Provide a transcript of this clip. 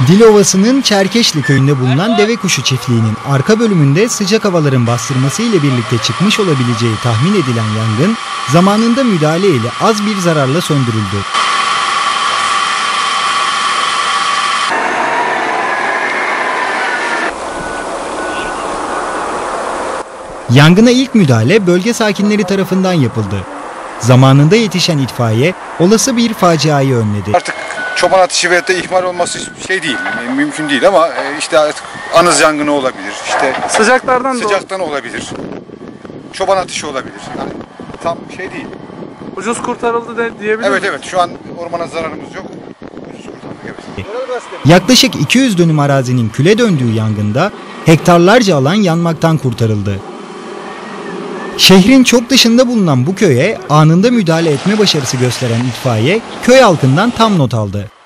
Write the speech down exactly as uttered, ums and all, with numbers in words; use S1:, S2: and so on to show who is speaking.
S1: Dilovası'nın Çerkeşli köyünde bulunan deve kuşu çiftliğinin arka bölümünde sıcak havaların bastırması ile birlikte çıkmış olabileceği tahmin edilen yangın zamanında müdahale ile az bir zararla söndürüldü. Yangına ilk müdahale bölge sakinleri tarafından yapıldı. Zamanında yetişen itfaiye olası bir faciayı önledi.
S2: Artık çoban ateşi veyahut da ihmal olması şey değil, mümkün değil ama işte artık anız yangını olabilir, işte
S3: sıcaklardan
S2: sıcaktan olabilir, çoban ateşi olabilir. Yani tam şey değil.
S3: Ucuz kurtarıldı de diyebilir
S2: Evet
S3: miyiz?
S2: evet, şu an ormana zararımız yok. Ucuz kurtardık, evet.
S1: Yaklaşık iki yüz dönüm arazinin küle döndüğü yangında hektarlarca alan yanmaktan kurtarıldı. Şehrin çok dışında bulunan bu köye anında müdahale etme başarısı gösteren itfaiye köy halkından tam not aldı.